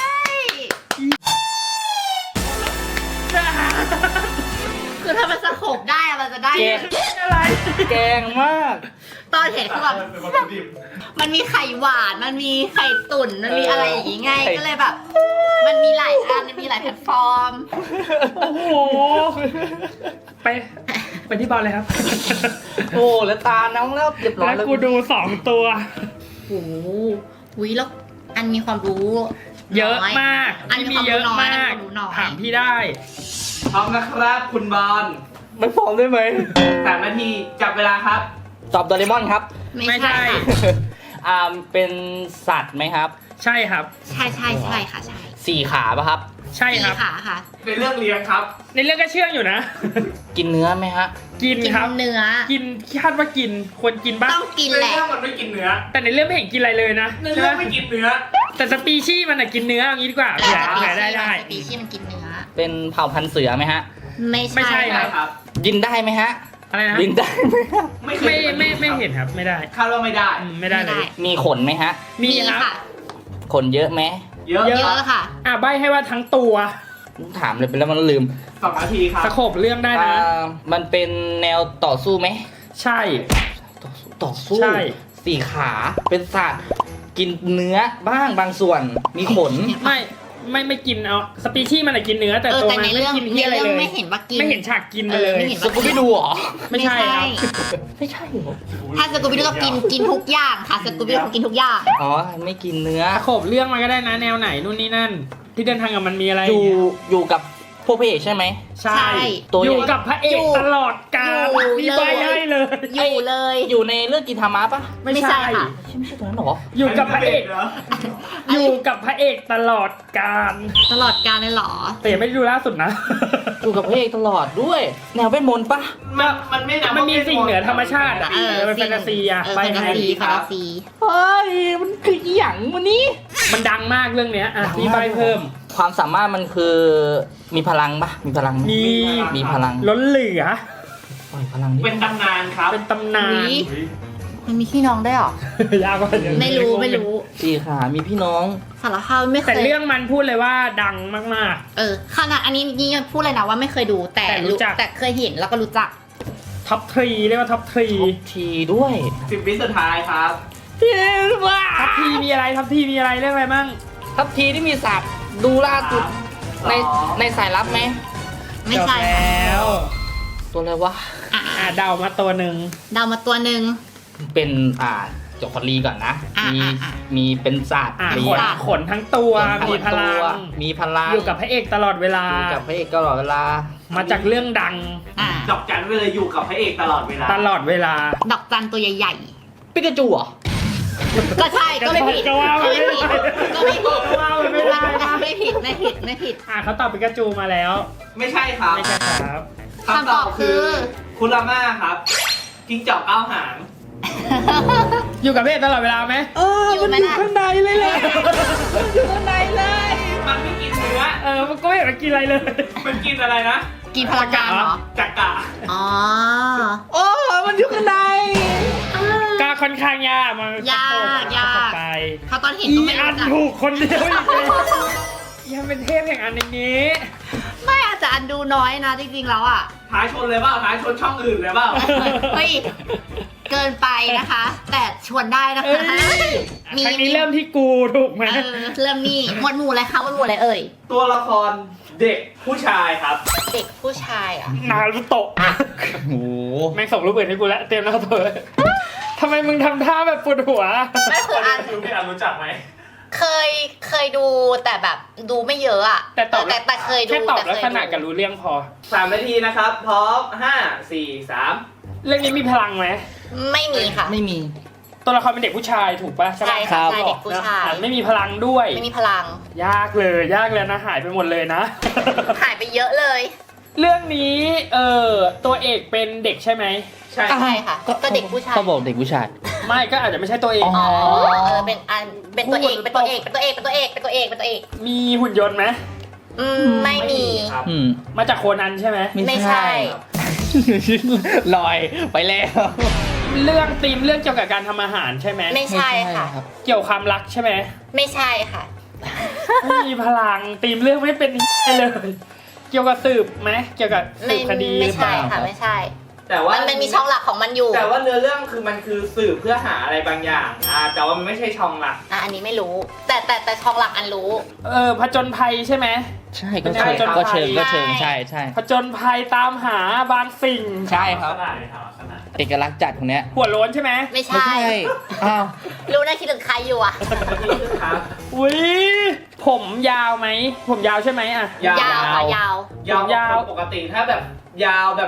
S2: คือถ้ามันสะโขบได้อะมันจะได้
S1: เกง
S4: อะไร
S1: แกงมาก
S2: ตอนเห็นคือแบบ
S5: เป็นวัตถุดิบ
S2: มันมีไข่หวาน มันมีไข่ตุ๋น มันมี
S1: เอออ
S2: อะไรอย่างงี้ไง
S1: ไข่
S2: ก็เลยแบบ มันมีหลายอัน มันมีหลายแพลตฟอร์ม
S4: โอ้โห ไป ไปที่บอลเลยครับ
S1: โอ้แล้วตาน้องแล้วเรียบร้อย
S4: แล้ว
S1: แล้ว
S4: กูดูสองตัว
S2: โอ้โหอุ๊ยแล้วอันมีความรู้
S4: เยอะ
S2: น้
S4: มาก
S2: อันมี
S4: ที่
S2: ค
S4: มี
S2: วาม
S4: เย
S2: รู้
S4: อะ
S2: น้อยอัน
S4: มาก
S2: มีความรู้น้อย
S4: ถามพี่ได้
S3: พร้อมนะครับคุณบอล
S1: ไม่พร้อมได้ไหม
S3: สามนาทีจับเวลาครับ
S1: ตอบโดเรมอนครับ
S2: ไม่
S4: ไม่ใช่
S2: ใช่ค่ะ
S1: อ่าเป็นสัตว์ไหมครับ
S4: ใช่ครับ
S2: ใช่ใช่ใช่ค่ะใช่
S1: สี่ขาป่ะครับ
S4: ใช่ครับ
S2: สี่ขาค่ะ
S3: ในเรื่องเลี้ยงครับ
S4: ในเรื่องก็เชื่องอยู่นะ
S1: กินเนื้อไหมฮะ
S4: กิน
S2: กิน
S4: ครับ
S2: เนื้อ
S4: กินคาดว่ากินควรกินบ้าง
S2: ต้องกิน
S3: ใน
S2: แหละ
S3: เรื่องมันไม่กินเนื้อ
S4: แต่ในเรื่องไม่เห็นกินอะไรเลยนะ
S3: ในเรื่องไม่กินเนื้อ
S4: แต่สปีชีส์มันอะกินเนื้ออย่างนี้ดีกว่าเผื่อเผื่อได้ได้
S2: สปีชีส์มันกินเนื้อ
S1: เป็นเผ่าพันธุ์เสือไหมฮะ
S2: ไม่
S4: ไม่ใช่
S2: ใช่
S3: ใช่
S2: ค่ะ
S3: ครับ
S1: บินได้ไหมฮะ
S4: อะไรนะ
S1: บินได้ไหมฮะ
S3: ไม่เคย
S4: ไม่ไม่ไม่เห็นครับไม่ได้
S3: คาดว่าไม่ได้
S4: อืมไม่ได้เลย
S1: มีขนไหมฮะ
S4: มี
S2: มี
S4: ครับ
S2: ค่ะ
S1: ขนเยอะไหม
S3: เยอะ
S4: เย
S2: เยอะค่ะ
S4: อ่ะใบให้ว่าทั้งตัว
S1: ถามเลยไปแล้วมันลืม
S3: สองนาทีครับ
S4: สโคบเรื่องได้
S1: อ่
S4: นะ
S1: ามันเป็นแนวต่อสู้ไหม
S4: ใช่
S1: ต่อสู้ต่อสู้
S4: ใช่
S1: สี่ขาเป็นสัตว์กินเนื้อบ้างบางส่วน มีขน
S4: ไม่ไม่ไม่กินเอาสปีชีส์มันอะกินเนื้อแต่
S2: เออ
S4: ตัว
S2: แต่
S4: มัน
S2: ใน
S4: ไม่
S2: เรื่อง
S4: กิน
S2: ใน
S4: เที่ยอะไร
S2: เรื่อง
S4: เลย
S2: ไม่เห็นว่ากิน
S4: ไม่เห็นฉากกินมาเลย
S2: เออไม่เห็น
S1: สกูบี้ดูเหรอ
S4: ไม่ใช่ครับ
S1: ไม่ใช่เหรอ
S2: ถ้าสกูบิดูก็กินกินทุกอย่างค่ะสกูบิดูกินทุกอย่าง
S1: อ๋อ ไม่กินเนื้อ
S4: สโคบเรื่องมาก็ได้นะแนวไหนนู่นนี่นั่น ที่เดินทางกับมันมีอะไร
S1: อยู่อยู่กับพวกพระเอกใช่ไหม
S4: ใช่
S2: ใช่
S1: ตัว
S4: อยู่
S1: ใหญ่
S4: กับพระเอก
S2: อยู่
S4: ตลอดกาล
S2: อยู่
S4: มีใบให้เลย
S2: อยู่เลย
S1: อยู่ในเรื่องกินธรรมะปะ
S4: ไม่
S2: ไม่ใช่
S4: ใช่
S2: ค่ะ
S1: ไม่ใช่ตัวนั้นเหรอ
S4: อยู่กับพระเอก
S3: เหรอ
S4: อยู่กับพระเอกตลอดกาล
S2: ตลอดการเลยเหรอ
S4: แต่ยังไม่ได้ดูล่าสุดนะ
S1: อยู่กับพระเอกตลอดด้วย แนวเวทมนต์ปะ
S3: มันมันไม่นับ
S4: มันมีสิ่งเหนือธรรมชาติอะ
S2: เออ
S4: เป็นแฟนตาซีอะ
S2: เออ
S4: ไป
S2: แฟนตา
S4: ให้
S2: ซีแฟนตาซี
S1: เฮ้ย มันคืออหย่างวันนี้
S4: มันดังมากเรื่องเนี้ยอ่ะพี่ใบเพิ่ม
S1: ความสามารถมันคือมีพลังปะมีพลังไห
S4: มี
S1: มีพลัง
S4: ล้นเหลือ
S1: ปล่อยพลังดิ
S3: เป็นตำนานครับ
S4: เป็นตำนาน
S2: อุ๊ย มันมีพี่น้องได้วยเหรอ
S4: ยากกว่าเดี๋ยว
S2: ไม่รู้ไม่รู้
S1: สี่ขา มีพี่น้อง
S2: สารภาพไม่เค
S4: แต่
S2: ย
S4: เรื่องมันพูดเลยว่าดังมาก
S2: เออขนาดอันนี้นี่ยังพูดเลยนะว่าไม่เคยดูแต่
S4: แต่รู้จัก
S2: แต่เคยเห็นแล้วก็รู้จัก
S4: ๆท็อปทรีเรียกว่าท็อปทรี
S1: ท็อปทีด้วย
S3: สิบวิสุดท้ายครับ
S4: ท็อปทีมีอะไรท็อปทีมีอะไรเรื่องอะไรมั่ง
S1: ท็อปทีที่มีสัตว์ดูล่าสุดในในสายลับไหม
S2: ไม่ใช่
S4: จบแล้ว
S1: ตัวอะไรวะ
S2: อ่ะ
S4: อ่ะเดามาตัวหนึ่ง
S2: เดามาตัวหนึ่ง
S1: เป็นอ่าจกคลีก่อนนะ
S2: อ่ะ
S1: มี
S2: อ่ะอ่ะ
S1: มีเป็นสัตว์
S4: อ่ะ
S1: มี
S4: ขนขนทั้งตัว
S1: ขนทั้ง
S4: มีพลั
S1: ตัว
S4: ง
S1: มีพลัง
S4: อยู่กับพระเอกตลอดเวลา
S1: อยู่กับพระเอกตลอดเวลา
S4: มาจากเรื่องดัง
S2: อ่ะ
S3: ดอกจันไปเลยอยู่กับพระเอกตลอดเวลา
S4: ตลอดเวลา
S2: ดอกจันตัวใหญ่
S1: ปิกาจูเหรอ
S2: ๆ ก็ใช่ก็ไม่ผิด
S4: ก็ว่า
S2: ก็ไม่ผิดก็ไม่ผิด
S4: ก็ว่ามันไม่ได้นะ
S2: ไม่ผิดไม่ผิดไม่ผิด
S4: อ่ะเขาตอบปิกาจูมาแล้ว
S3: ไม่ใช่ครับ
S4: ไม่ใช่ครับ
S2: คำตอบคือ
S3: คุราม่าครับจิ้งจอกเก้าหาง
S4: อยู่กับพระเอกตลอดเวลาไหม
S1: เออ
S2: อยู่
S1: มัน
S2: ไหม
S1: อยู่
S2: ล่ะ
S1: ข้างในเลยแหละมันอยู่ข้างในเลย
S3: มันไม่กินเนื้อ
S4: เออมันก็ไม่เห็นมันกินอะไรเลย
S3: มันกินอะไรนะ
S2: กินพลังงานเหรอ
S3: จักกะ
S2: อ๋อ
S1: โอ้มันอยู่ข้างใน
S4: ก็ค่อนข้างยากมัน
S2: ยากยาก
S4: ไป
S2: เขาตอนเห็น
S4: อี
S2: ก็ไม่
S4: อั
S2: รู้
S4: น
S2: จัก
S4: ถูกคนเดียวอีกเลยยังเป็นเทพแห่งอันอย่างนี้
S2: ไม่อาจจะอันดูน้อยนะจริงๆแล้วอ่ะ
S3: ท้ายชนเลยเปล่าท้ายชนช่องอื่นเลยเปล่า
S2: เฮ้ย เกินไปนะคะ แต่ชวนได้นะ
S4: เอ้
S2: คะ
S4: ยครั้งนี้เริ่มที่กูถูกไหม
S2: เออเริ่มนี่หมวดหมู่อะไรคะหมวดหมู่อะไรเอ่ย
S3: ตัวละครเด็กผู้ชายครับ
S2: เด็กผู้ชายอ่ะ
S4: นารุโตะ
S1: โอ้โห
S4: แม่งส่งรูปอื่นให้กูแล้วเตรียมหน้าตัวเลยทำไมมึงทำท่าแบบปวดหัว
S2: ไม่คืออัน
S5: คือพี่อันรู้จักไหม
S2: เคยเคยดูแต่แบบดูไม่เยอะอ่ะ
S4: แต่ตอบ
S2: แต่แต่เคยดู
S4: แค่ตอบ
S2: แต่
S4: ลัก
S2: เคย
S4: ษ
S2: ดู
S4: ณะกับรู้เรื่องพอ
S3: สามนาทีนะครับ พร้อมห้าสี่สาม
S4: เรื่องนี้มีพลังไหม
S2: ไม่มีค่ะ
S1: ไม่มี
S4: ตัวละครเป็นเด็กผู้ชายถูกปะ
S2: ใช่
S4: ปะ
S2: ค่ะ
S1: รับ
S2: ใช่เด็กผู้ชาย
S4: อ่ะไม่มีพลังด้วย
S2: ไม่มีพลัง
S4: ยากเลยยากเลยนะหายไปหมดเลยนะ
S2: หายไปเยอะเลย
S4: เรื่องนี้เออตัวเอกเป็นเด็กใช่ไหม
S3: ใช่
S2: ใช่ค่ะก็เด็กผู้ชาย
S1: เขาบอกเด็กผู้ชาย
S4: ไม่ก็อาจจะไม่ใช่ตัวเอก
S1: อ๋อ
S2: อ๋อเออเป็นอันเป็นตัวเอกเป็นตัวเอกเป็นตัวเอกเป็นตัวเอกเป็นตัวเอกเป็นตัวเอก
S4: มีหุ่นยนต์ไหม
S2: อืมไม่มี
S3: ครับ
S1: อืม
S4: มาจากโคนันใช่ไหม
S2: ไม่ใช่
S1: ลอยไปแล้ว
S4: เรื่องธีมเรื่องเกี่ยวกับการทำอาหารใช่ไหม
S2: ไม่ใช่ค่ะ
S1: รับ
S4: เกี่ยวกับความรักใช่ไหม
S2: ไม่ใช่ค่ะ
S4: ไม่มีพลังธีมเรื่องไม่เป็นเลย เกี่ยวกับสืบไหมเกี่ยวกับสื
S2: ไม่
S4: บคดีห
S2: ไม่
S4: รือเป
S2: ใช่
S4: ล่า
S2: ค่ะไม่ใช่
S3: แต่ว่า
S2: มันมันมีช่องหลักของมันอยู่
S3: แต่ว่าเนื้อเรื่องคือมันคือสืบเพื่อหาอะไรบางอย่างอ่าแต่ว่ามันไม่ใช่ช่องหลัก
S2: อ่ะอันนี้ไม่รู้ แต่แต่แต่ช่องหลักอันรู้
S4: เออผจญภัยใช่ไหม
S1: ใช่ก็
S4: ใช่
S1: เชิงก็เชิงก็เชิง
S2: ใช่
S1: ใช่ใช่
S4: ผจญภัยตามหาบางสิ่ง
S1: ใช่ครับ
S5: ขนาดไหนครับขนาด
S1: เอกลักษณ์จัดคนเนี้ย
S4: หัวโล้นใช่ไหม
S2: ไม่
S1: ไม่
S2: ใช่
S1: ใช่อ้าว
S2: รู้นะคิดถึงใครอยู่อ่ะ
S3: นี่คือครับ
S4: อุ้ยผมยาวไหมผมยาวใช่ไหมอ่ะ
S3: ยาว
S2: ยาวค่ะยาว
S3: ยาว
S4: ยาว
S3: ปกติถ้าแบบยาวแบบ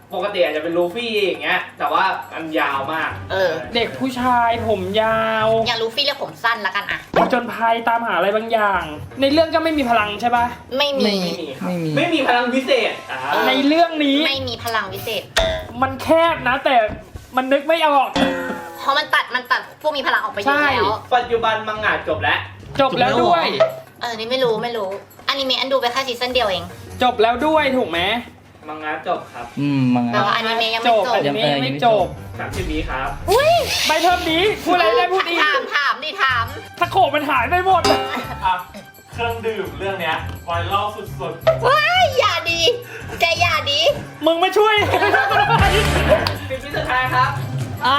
S3: ปกติอาจจะเป็นลูฟี่อย่างเงี้ยแต่ว่าอันยาวมาก
S2: เออ
S4: เด็กผู้ชายผมยาว
S2: อย่าลูฟี่เรียกผมสั้นละกันอะ
S4: ผจญภัยตามหาอะไรบางอย่าง ในเรื่องก็ไม่มีพลังใช่ปะ
S2: ไม่มี
S3: ไม่มีครับ
S1: ไม่มี
S3: ไม่มีพลังพิเศษอ่า
S4: ในเรื่องนี้
S2: ไม่มีพลังวิเศษ
S4: มันแคบนะ แต่มันนึกไม่ออก
S2: เพราะมันตัดมันตัดพวกมีพลังออกไปเยอะ
S4: ใช่
S2: แล้ว
S3: ปัจจุบันมังงะจบแล้ว
S4: จบแล้วด้วย
S2: เออ นี่ไม่รู้ไม่รู้อนิเมะอันดูไปแค่ซีซั่นเดียวเอง
S4: จบแล้วด้วยถูกไหม
S3: มังงะจบครับ
S1: อืมมัง
S2: แต่
S1: งะ
S2: ว่าอนิเมะยัง
S4: จ
S2: ไม่
S4: บ
S2: จบ
S4: อันนี้
S1: ยังเออยัง
S4: ไม่
S1: ไม่
S4: จ
S1: จ
S4: บบ
S3: สามสิบวิครับ
S2: อุ้ย
S4: ใบเทอมนี้พูดอะไรได้พูดอีก
S2: ถามถามดิถาม
S4: ถ้าโขมันหายไปหมด
S5: อ่ะเครื่องดื่มเรื่องเนี้ยไวรัลสุด
S2: ว้ายอย่าดีแกอย่าดี
S4: มึงไม่ช่วย
S3: สิบวิสุดท้ายครับ
S4: อ่า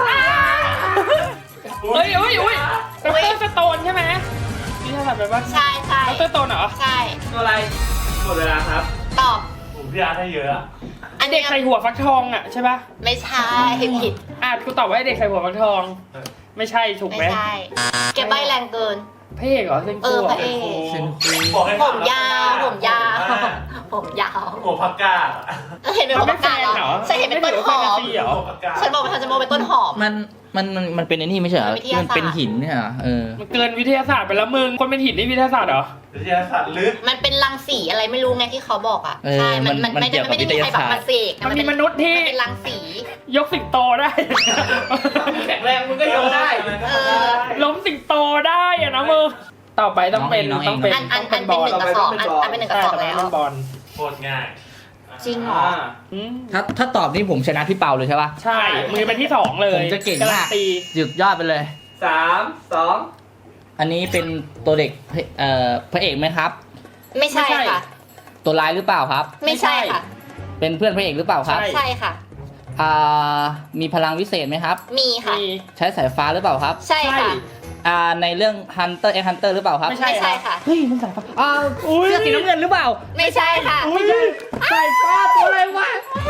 S5: ๆ
S4: เฮ้ยเฮ้ยเฮ้ยดรสโตนใช่ไหมนี่ถ้าทำไปว่า
S2: ใช่ใช่
S4: ดรสโตนเหรอ
S2: ใช่
S3: ตัวอะไรหมดเวลาครับ
S2: ตอบ
S5: ผมพี่อาร์ตให้เยอะอะ
S2: อัน
S4: เด็กใส่หัวฟักทองอ่ะใช่ปะ
S2: ไม่ใช่ผิด
S4: อ่ะกูตอบว่าไอ้เด็กใส่หัวฟักทอง ไม่ใช่ถูกไหม
S2: ไม่ใช่แกใบแรงเกิน
S4: พระเอกเหรอเซน
S2: เอ
S4: คู
S2: อ
S4: เหร
S2: พ
S4: อ
S2: ระเอก
S1: เซนคู
S5: บอกให้
S2: ผมยาวผมยาว
S5: อ่
S2: ผมยาว
S5: หัวผักกาดอะ
S2: เห็นเป็น
S4: มัน
S2: หัว
S4: ไม่
S2: ปาก
S4: แฟ
S2: กาด
S4: น
S2: เหร
S4: เหร
S2: อ
S4: อ
S2: ฉันเห็นเป็นต้นหอม
S4: ไม่ได้เหรอ
S5: หัวผักกาด
S2: ฉันบอกว่าฉันจะมองเป็นต้นหอม
S1: มันมันมันมันเป็นไอ้นี่ไม่ใช่เหรอ
S2: วิทยาศาสตร์
S1: มันเป็นหินเนี่ยเหรอเออ
S4: มันเกินวิทยาศาสตร์ไปแล้วมึง คนเป็นหินนี่วิทยาศาสตร์เหรอ
S5: วิทยาศาสตร์ลึก
S2: มันเป็นรังสีอะไรไม่รู้ไงที่เขาบอกอ่ะ
S1: เออ
S2: ใช่ มัน
S1: มั
S2: มัน นไม่
S1: เกี่
S2: ได้
S1: ยวกับ
S2: ไม่ได้มีใครแบบ
S1: วิทยาศาสตร์
S2: มาเสก
S4: มันมีมนุษย์ที่
S2: มันเป็นรังสี
S4: ยกสิงโตได้
S3: แข็งแรงมึงก็ยกได้
S2: เออ
S4: ล้มสิงโตได้อะนะมึง ต่อไปต้องเป็น
S1: น้องเอง
S4: ต้องเป็น
S2: อันอัน
S4: ต้
S2: อั
S4: ง
S2: น
S4: บ
S2: เป็น
S4: อล
S2: หนึ่งกับสองอันอันเป็นหนึ่งกับสอง
S4: ใช่
S2: แล้ว
S4: ต้องบอล
S5: โคตรง่าย
S2: จริงเหรอ
S3: อ่า
S4: อืม
S1: ถ้าถ้าตอบนี่ผมชนะพี่เปาเลยใช่ปะ
S4: ใช่ มือเป็นที่สองเลย
S1: ผมจะเก่ง
S4: การั
S1: มาน ก
S4: ตี
S1: สุดยอดไปเลย
S3: สามสอง
S1: อันนี้เป็นตัวเด็กพระเอ่อพระเอกไหมครับ
S2: ไม่ใช่ค่ะ
S1: ตัวร้ายหรือเปล่าครับ
S2: ไม่ใช่ค่ะ
S1: เป็นเพื่อนพระเอกหรือเปล่าครับ
S2: ใช่ค่ะ
S1: อ่ามีพลังวิเศษไหมครับ
S2: มีค่ะ
S4: มี
S1: ใช้สายฟ้าหรือเปล่าครับ
S2: ใช่ค่ะ
S1: อ่าในเรื่อง Hunter x Hunter หรือเปล่าครับ
S4: ไม่ใช่
S2: ไม่ใช่ค่ะ
S1: เฮ้ยมันสายฟ้าอ่า
S4: อุ้ย
S1: เสื้อสีน้ำเงินหรือเปล่า
S2: ไม่ใช่ค่ะ
S4: อุ้ย
S1: สายฟ้าตัวอะไรวะ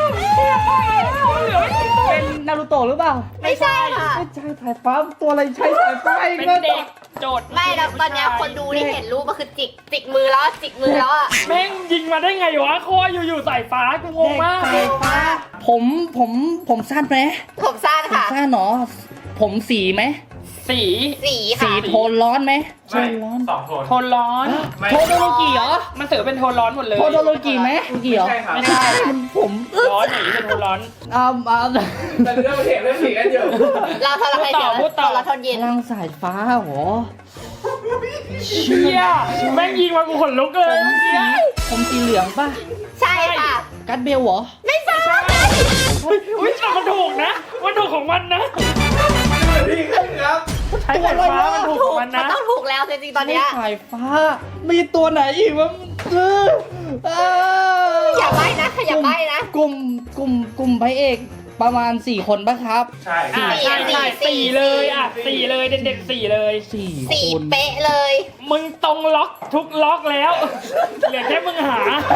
S1: เป็นนารูโตะหรือเปล่า
S2: ไม่ใช่ค่ะ
S1: ไม่ใช่สายฟ้าตัวอะไรใช้สายฟ้าอีก
S4: เป็น
S1: แล้ว
S4: เด็กโจทย์
S2: ไม่แล้วตอนเนี้ยคนดูที่เห็นรูปก็คือจิกจิกมือแล้วจิกมือแล้วอ่ะ
S4: แม่งยิงมาได้ไงวะโคอยู่ๆสายฟ้ากูงงมาก
S1: สายฟ้า ผมผมผมสั้นไหม
S2: ผมสั้น
S1: ผม
S2: ค่ะ
S1: สั้นเหรอผมสีไหม
S4: สี
S2: สี
S1: สี
S2: ค่ะ
S1: โทนร้อนไหมโท
S5: ไม่
S1: นร้อน
S5: สองโทน
S4: โทนร้อน
S5: ไม่
S1: โทโนโลกิเหรอ
S4: มันเสือเป็นโทนร้อนหมดเลย
S1: โทโนโลกิไหมโลกิเหรอ
S3: ไม่ใช่ครับ
S4: ไม่ใช่
S1: มันผม
S4: ร้อนหนีเป็นโทนร้อน
S1: อ่าอ่า
S3: แต่เรื่องเถียงเรื่องผีกันอยู่
S2: เราทรหด
S4: พูดต่อพูดต่อ
S2: เราทน
S1: พ
S2: เย็น
S1: ลังสายฟ้าเหรอ
S4: เชี่ยแม่งยิงมากูขนลุกเลย
S1: ผมสีผมสีเหลืองป่ะ
S2: ใช่ค่ะ
S1: กัดเบลเหรอ
S2: ไม่ใช่
S4: อุ้ยแต่มันถูกนะมันถูกของมันนะ
S3: ดีขึ้นครับ
S4: ใช้สายฟ้ามันถูกของมัน
S2: มัน
S4: นะ
S2: ต้องถูกแล้วจริงๆตอนเนี้ย
S1: สายฟ้า มีตัวไหนอีกวะเออเออ
S2: อย่าใบ้นะอย่าใบ้นะ
S1: กลุ่มกลุ่มกลุ่มพระเอกประมาณสี่คนป่ะครับ
S5: ใช่
S4: อ่าใช่ใช่สี่เลยอ่ะสี่เลยเด็กๆสี่เลย
S1: สี่
S2: สี่
S1: คน
S2: เป๊ะเลย
S4: มึงตรงล็อกทุกล็อกแล้วเหลือแค่มึงหา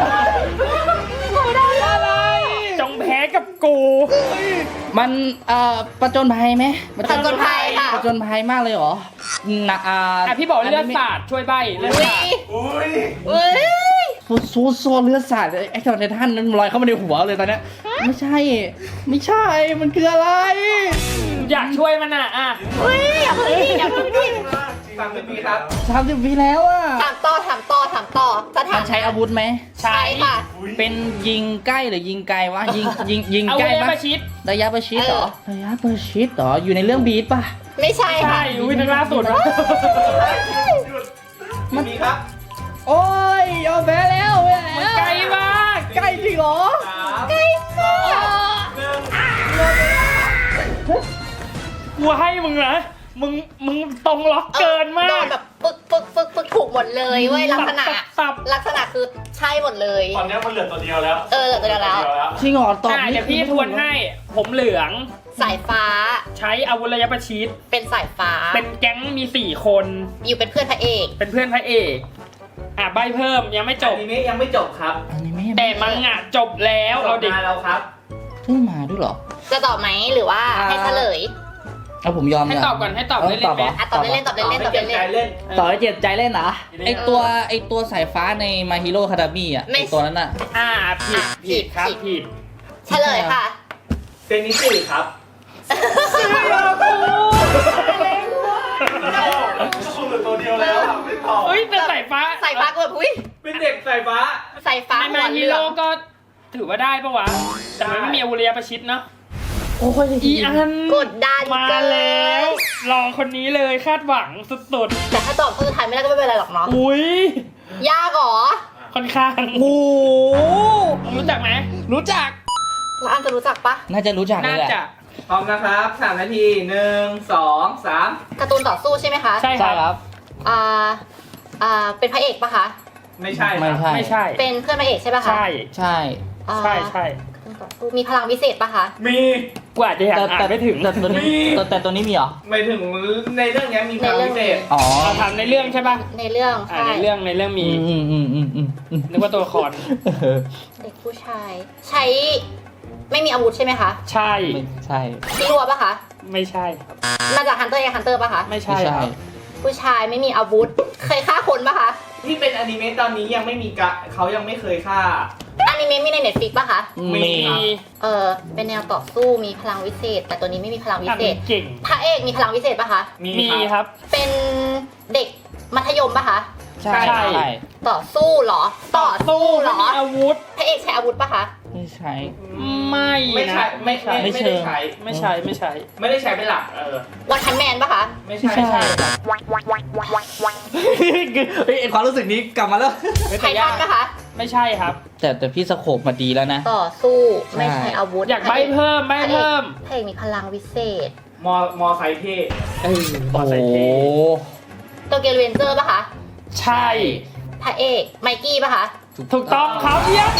S4: อะไรจงแพ้กับกู
S1: มันเอ่อประจนภัยไหม
S2: ผจญภัยค่ะ
S1: ประจนภัยมากเลยเหรอนะอ่า
S4: อ่ะพี่บอกเลือดสาดช่วยใบเลือด
S2: อุ้ย
S4: สาด
S5: อุ้ย
S2: เอ้ย
S1: โซโซโซเลือดสาดไอ้ตอนในท่านนั้นลอยเข้ามาในหัวเลยตอนเนี้ยไม่ใช่ ไม่ใช่มันคืออะไร
S4: อยากช่วยมันอ่ะอ่ะ
S2: อุ้ยอย่าเพิ่งดิอย่าเพิ่งดิ
S3: สามสิบวิครับ
S1: สามสิบปีแล้วอ่ะ
S2: ถามต่อถามต่อถามต่อจะถา
S1: มั
S2: ม
S1: นใช้อาวุธไหม
S4: ใช่
S2: ใช่ค่ะ
S1: เป็นยิงใกล้หรือยิงไกลวะยิงยิงยิง
S4: เอา
S1: ใกล้
S4: เลย
S1: ปะ
S4: มาชิด
S1: ระยะประชิดเหรอระยะประชิดเหรออยู่ในเรื่องบีทป่ะ
S2: ไม่ใช่
S4: ใช่
S2: ค่ะ
S4: อุ้ยนึกล่าสุด
S3: มันมีครับ
S1: โอ้ยยอมแพ้แล้วแพ้
S4: มัน
S1: แล้ว
S4: ไกลมาก
S1: ใกล้จริงเหรอ
S3: สาม
S4: กูให้มึงนะมึงมึงตรงล็อกเกินมา
S2: โด
S4: ก
S2: นแบบปึกปึกปึกปึกถูกหมดเลยเว้ยลักษณะ
S4: สับสับ
S2: ลักษณะคือใช่หมดเลย
S5: ตอนนี้มันเหลือตัวเดียวแล้ว
S2: เออเหลือตัวเดียวแล้ว
S1: จริงเหรอตอบ
S4: อ่ะ
S1: นี่
S4: เดี๋ยวพี่ทวนให้ ผมเหลือง
S2: สายฟ้า
S4: ใช้อาวุธระยะประชิด
S2: เป็นสายฟ้า
S4: เป็นแก๊งมีสี่คน
S2: อยู่เป็นเพื่อนพระเอก
S4: เป็นเพื่อนพระเอก อ่ะใบเพิ่มยังไม่จ
S3: จ
S4: บ
S3: บนี้ยังไม่จบครับ
S1: อันนี้ไม่
S4: แต่มังงะจบแล้ว
S3: จ
S4: เอา
S3: บ
S4: ดิ
S3: มาแล้วครับ
S1: เพิ่งมาด้วยเหรอ
S2: จะตอบไหมหรือว่าให้เฉลย
S1: เอาผมยอม
S4: ให้
S1: เนี่ย
S4: ตอบก่อนให้ตอบ
S1: เออ
S4: เล่น
S1: ตอบ
S4: ๆไหม
S1: เหร
S2: อ่ะตอบเล่นๆตอบเล่นๆตอบ
S3: เจ็บ
S2: เล่
S3: ใจ
S2: น
S3: เล่น
S1: ต่อให้เจ็บใจเล่นนะ
S4: เล่น
S1: ไอตัวไอตัวสายฟ้าในมาฮิโร่คาดามี่อ่ะ
S2: ไม่
S1: ไอตัวนั้นอ่ะ
S4: อ่าผิดผิดครับ
S2: ผิด
S4: ผิด
S2: เฉลยค่ะ
S3: เซนิสึครับ
S5: คุณเหลือตัวเดียวแล้วอะไม่ตอบ
S4: เฮ้ยแต่สายฟ้า
S2: สายฟ้าก็แบบอุ้ย
S3: เป็นเด็กสายฟ้า
S2: สายฟ้า
S4: ใน
S2: หั
S4: มาว
S2: เห
S4: ฮี
S2: ลือ
S4: โร่
S2: ง
S4: ก็ถือว่าได้ปะวะ แต่มันไม่มีอาวุธระยะประชิดเนาะ
S1: โอ้ย
S4: อีอัน
S2: กดดัน
S4: มา
S2: เกิน
S4: แล้ว รอคนนี้เลยคาดหวังสุด
S2: แต่ถ้าตอบข้อสุดท้ายไม่ได้ก็ไม่เป็นไรหรอกเนาะ
S4: ๆ อุ้ย
S2: ยากเหรอ
S4: ค่อนข้าง
S1: โอ้โห
S4: รู้จักไหม
S1: รู้จัก
S2: แล้วอันจะรู้จักปะ
S1: น่าจะรู้จักเล
S4: น่าย
S1: แหละ
S4: จะ
S3: พร้อมนะครับสามนาทีหนึ่งสองสาม
S2: การ์ตูนต่อสู้ใช่ไหมคะ
S4: ใช่ค
S1: ใช่
S4: รับ
S1: ครับ
S2: อ่า อ่า เป็นพระเอกปะคะ
S3: ไม่ใช่ค
S1: ไม่
S3: รับ
S1: ใช่
S4: ไม่ใช่
S2: เป็นเพื่อนพระเอกใช่ปะคะ
S4: ใช่
S1: ใช่
S2: อ่า
S4: ใช่ใช่
S2: การ์ตูนต่อสู้มีพลังวิเศษปะคะ
S3: มี
S4: กว่าจะอยากอ่านไม่ถึง
S1: แต่ตัวนี้
S3: มี
S1: แต่แต่ตัวนี้มีเหรอ
S3: ไม่ถึงในเรื่องนี้มีความพิเศษ
S1: อ๋อ
S4: เราทำในเรื่องใช่ป่ะ
S2: ในเรื่อง
S4: อ่า
S2: ใช่
S4: ในเรื่องในเรื่อง
S1: อื
S4: มี
S1: มอืมอืมอืมอืมอืม
S4: นึกว่าตัวละคร
S1: เออ
S2: เด็กผู้ชาย ใช้ไม่มีอาวุธใช่ไหมคะ
S4: ใช่
S1: ไม่ใช่
S2: ที่รัวปะคะ
S4: ไม่ใช่ครับ
S2: มาจากฮันเตอร์ยังฮันเตอร์ปะคะ
S4: ไม่
S1: ไม่
S4: ใช่
S1: ใช่
S4: ครับ
S2: ผู้ชายไม่มีอาวุธ เคยฆ่าคนปะคะ
S3: ที่เป็นอนิเมะตอนนี้ยังไม่มีกะเขายังไม่เคยฆ่า
S2: อนิเมะมีในเน็ตฟลิกปะคะ
S3: มี
S1: มี
S4: มี
S2: เออเป็นแนวต่อสู้มีพลังวิเศษ แต่ตัวนี้ไม่มีพลังวิ
S4: อ่าน
S2: เศษ
S4: เก่ง
S2: พระเอกมีพลังวิเศษปะคะ
S3: มี
S4: มี
S3: ค
S4: ครับ รับ
S2: เป็นเด็กมัธยมปะคะ
S1: ใช่
S4: ใช่
S1: ใช่
S2: ต่อสู้เหรอ ต่อสู้เหรอ
S4: ไม่มีอาวุธ
S2: พระเอกใช้อาวุธปะคะ
S1: ไม่ใช่
S4: ไม่
S3: ไม่ใช่
S4: นะ
S3: ไม่ไม่
S1: ไม่
S3: ไม่
S1: เชิ
S3: ได้
S1: ง
S3: ใช้
S4: ไม่ใช่ไม่ใช่
S3: ไม่ได้ใช้เป็นหลักเออ
S2: วันพันแมนปะคะ
S3: ไม่
S1: ไม่
S3: ใช่
S1: ใช่เฮ้ยไอ้ความรู้สึกนี้กลับมาแล้ว
S2: ไททันปะคะ
S4: ไม่ใช่ครับ
S1: แต่แต่พี่สโคปมาดีแล้วนะ
S2: ต่อสู้
S1: ใช่
S2: ไม่ใช่อาวุธ
S4: อยากใบเพิ่มใบเพิ่ม
S2: พระเอกมีพลังวิเศษ
S3: มอมอไซค์เท่
S4: เออ
S1: โอ้
S4: ใส่
S1: โห
S4: เท่
S2: โตเกียวเรนเจอร์ปะคะ
S4: ใช่
S2: พระเอกไมกี้ปะคะ
S4: ถูกต้องครับเยี่ยม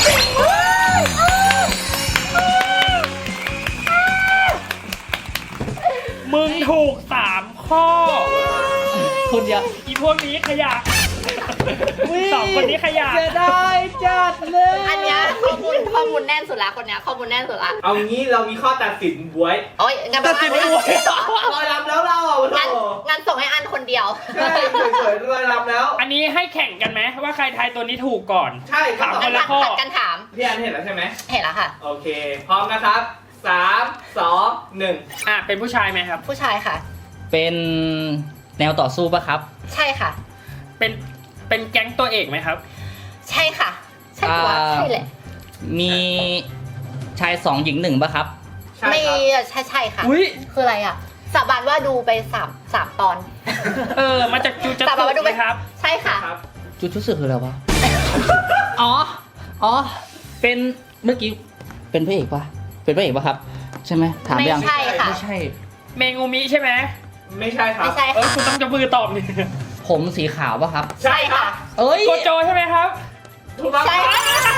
S4: มึงถูกสามข้อ
S1: คนเดียว
S4: อีพวกนี้ขยะสองคนนี้ขยะ
S1: เสียดายจัดเลย
S2: อันเนี้ยข้อมูลข้อมูลแน่นสุดละคนเนี้ยข้อมูลแน่นสุดละ
S3: เอางี้เรามีข้อตัดสินบวย
S2: โอ้ยงั้นไปว่า
S3: รอยลำแล้วเราอ่ะ
S2: งั้น
S3: โถ่
S2: งั้นส่งให้อันคนเดียว
S3: ใช่เฉยๆรอยลำแล้ว
S4: อันนี้ให้แข่งกันไหมว่าใครทายตัวนี้ถูกก่อน
S3: ใช่ครั
S4: ถา
S3: บ
S4: ม
S2: งั้น
S4: ละข้อ
S2: ผัดกันถาม
S3: พี่อันเห็นแล้วใช่ไหม
S2: เห็นแล้วค่ะ
S3: โอเค พร้อมนะครับสามสองหนึ่ง
S4: อ่ะเป็นผู้ชายไหมครับ
S2: ผู้ชายค่ะ
S1: เป็นแนวต่อสู้ปะครับ
S2: ใช่ค่ะ
S4: เป็นเป็นแก๊งตัวเอกไหมครับ
S2: ใช่ค่ะ ใช่ตัว
S1: อ่า
S2: ใช่แหละ
S1: มีชายสองหญิงหนึ่งปะครับ
S3: ใช่
S2: ไม่
S3: ครับ
S2: ใช่ใช่ค่ะ
S4: อุ้ย
S2: คืออะไรอ่ะสาบานว่าดูไปสามสามตอน
S4: เออ มาจากจูจัต
S2: สาบานว่าดู
S4: สึไห
S2: ไป
S4: มครับ
S2: ใช่ค่ะ
S3: ครับ
S1: จุดชุดสึคืออะไรวะ อ๋อ อ๋อ เป็นเมื่อกี้ เป็นพระเอกปะเป็นพระเอกปะครับ ใช่ไหมถามไปยัง
S2: ไม่ใช่ค่ะ
S1: ไม่ใช่
S4: เมงูมิใช่ไหม
S3: ไม่ใช่ครับ
S2: ไม่ใช่
S4: เออ
S2: ค่ะ
S4: คุณต้องจะมือตอบนี่
S1: ผมสีขาวปะครับ
S3: ใช่ค่ะ
S1: เอ้ย
S4: โกโจใช่ไหมครับ
S3: ถูกต้อง
S2: ใช่
S3: ครับ
S2: ค่ะ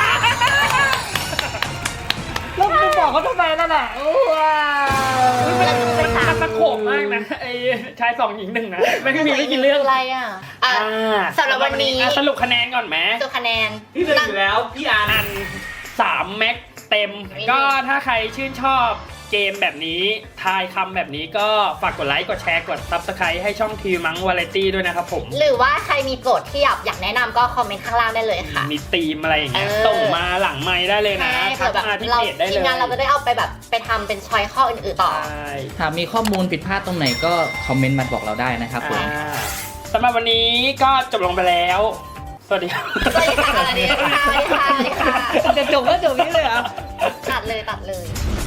S1: แล้วคุณบอกเขาทำไมนั่นน่ะว้าว
S4: มันมันตะโขบมากนะไอ้ชายสองหญิงหนึ่งนะไม่มีไม่กี่เรื่อง
S2: อะไรอ่ะอ่ะ
S4: อ่า
S2: สำหรับวันนี้
S4: อ่ะสรุปคะแนนก่อนไหม
S2: ตัวคะแนน
S3: ที่หนึ่งอยู่แล้วพี่อัน
S4: อันสามแม็กเต็ม
S2: ไม่มี
S4: ก็ถ้าใครชื่นชอบเกมแบบนี้ทายคำแบบนี้ก็ฝากกดไลค์กดแชร์กด ซับสไครบ์ ให้ช่องทีมังวาไรตี้ด้วยนะครับผม
S2: หรือว่าใครมีโจทย์ที่อยากอยากแนะนำก็คอมเมนต์ข้างล่างได้เลยค่ะ
S4: มีธีมอะไรอย่างเงี้ย
S2: เออ
S4: ส่งมาหลังไมค์ได้เลยนะ
S2: ใช่
S4: ทั
S2: เผื่อก แบบ
S4: มาที่
S2: เรา
S4: เพจได้เล
S2: ที
S4: ย
S2: มงานเราจะได้เอาไปแบบไปทำเป็นช้อยข้ออื่นๆต่อ
S4: ใช่
S1: ถ้ามีข้อมูลผิดพลาดตรงไหนก็คอมเมนต์มาบอกเราได้นะครับผม
S4: อ่าสำหรับวันนี้ก็จบลงไปแล้ว สวัสดีครับ
S2: สวัสดีค่ะสวัสดีค่ะสวัสดีค่ะสวัสดีค่ะ
S1: จะจบก็จบนี้เลยเหรอ
S2: ตัดเลยตัดเลย